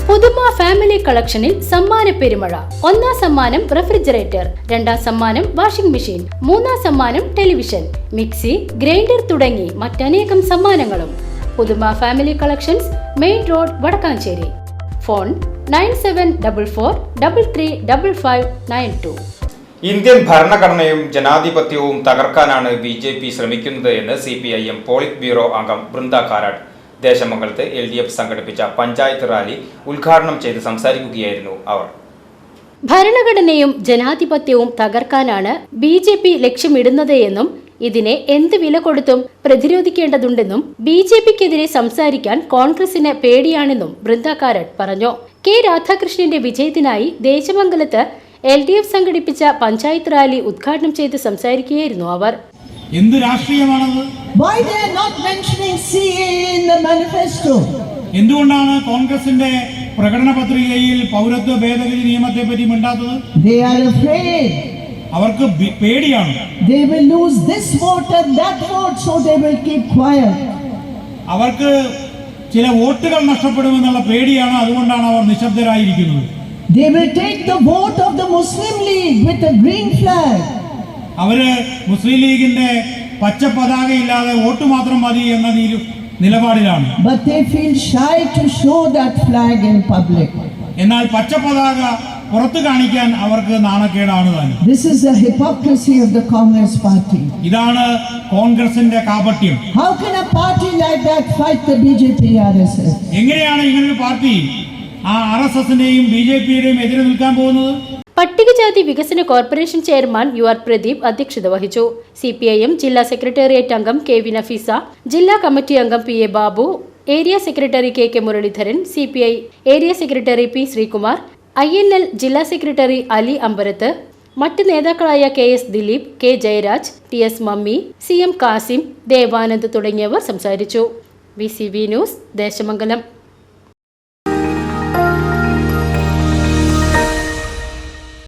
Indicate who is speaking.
Speaker 1: പുതുമ ഫാമിലി കളക്ഷനിൽ സമ്മാന പെരുമഴ. ഒന്നാം സമ്മാനം റെഫ്രിജറേറ്റർ, രണ്ടാം സമ്മാനം വാഷിംഗ് മെഷീൻ, മൂന്നാം സമ്മാനം ടെലിവിഷൻ, മിക്സി, ഗ്രൈൻഡർ തുടങ്ങി മറ്റനേകം സമ്മാനങ്ങളും. Puthuma family collections, main road, Vadakkanchery. Phone 9744335592.
Speaker 2: Indian ഭരണഘടനയും ജനാധിപത്യവും തകർക്കാനാണ് BJP ശ്രമിക്കുന്നത് എന്ന് CPIM പോളിറ്റ് ബ്യൂറോ അംഗം ബൃന്ദ കാരാട്ട് ദേശമംഗലത്ത് LDF സംഘടിപ്പിച്ച പഞ്ചായത്ത് റാലി ഉദ്ഘാടനം ചെയ്ത് സംസാരിക്കുകയായിരുന്നു അവർ.
Speaker 1: ഭരണഘടനയും ജനാധിപത്യവും തകർക്കാനാണ് BJP ലക്ഷ്യമിടുന്നത് എന്നും ഇതിനെ എന്ത് വില കൊടുത്തും പ്രതിരോധിക്കേണ്ടതുണ്ടെന്നും BJPക്കെതിരെ സംസാരിക്കാൻ കോൺഗ്രസിന് പേടിയാണെന്നും ബൃന്ദ കാരാട്ട് പറഞ്ഞു. K രാധാകൃഷ്ണന്റെ വിജയത്തിനായി ദേശമംഗലത്ത് LDF സംഘടിപ്പിച്ച പഞ്ചായത്ത് റാലി ഉദ്ഘാടനം ചെയ്ത് സംസാരിക്കുകയായിരുന്നു അവർ.
Speaker 3: എന്ത് രാഷ്ട്രീയമാണത്?
Speaker 4: Why they are not mentioning CAA in the manifesto?
Speaker 3: എന്തുകൊണ്ടാണ് കോൺഗ്രസിന്റെ പ്രകടന പത്രികയിൽ പൗരത്വ ഭേദഗതി നിയമത്തെ പറ്റി മിണ്ടാത്തത്?
Speaker 4: They are afraid.
Speaker 3: അവർക്ക് പേടിയാണ്.
Speaker 4: They will lose this vote and that vote, so they will keep quiet.
Speaker 3: അവർക്ക് ചില വോട്ടുകൾ നഷ്ടപ്പെടുമെന്നുള്ള പേടിയാണ്, അതുകൊണ്ടാണ് അവർ നിശബ്ദരായിരിക്കുന്നത്.
Speaker 4: They will take the vote of the Muslim League with a green flag.
Speaker 3: അവര് മുസ്ലിം ലീഗിന്റെ പച്ച പതാക ഇല്ലാതെ വോട്ട് മാത്രം മതി എന്ന നിലപാടിലാണ്.
Speaker 4: But they feel shy to show that flag in public.
Speaker 3: എന്നാൽ പച്ച പതാക പുറത്തു കാണിക്കാൻ അവർക്ക് നാണക്കേടാണ് താനും.
Speaker 4: This is the hypocrisy of the Congress party.
Speaker 3: ഇതാണ് കോൺഗ്രസിന്റെ കാപട്യം.
Speaker 4: How can a party like that fight the BJP RSS?
Speaker 3: എങ്ങനെയാണ് ഇങ്ങനൊരു പാർട്ടി ആ RSSന്റെയും BJPയുടെയും എതിരെ നിൽക്കാൻ പോകുന്നത്?
Speaker 1: പട്ടികജാതി വികസന കോർപ്പറേഷൻ ചെയർമാൻ UR പ്രദീപ് അധ്യക്ഷത വഹിച്ചു. CPIM ജില്ലാ സെക്രട്ടേറിയറ്റ് അംഗം KV നഫീസ, ജില്ലാ കമ്മിറ്റി അംഗം PA Babu, area secretary KK Muraleedharan, CPI area secretary P Sreekumar, INL ജില്ലാ സെക്രട്ടറി അലി അമ്പരത്ത്, മറ്റ് നേതാക്കളായ KS Dileep, K Jayaraj, TS Mammi, CM Kasim, Devanand തുടങ്ങിയവർ സംസാരിച്ചു. VCV news, Desamangalam.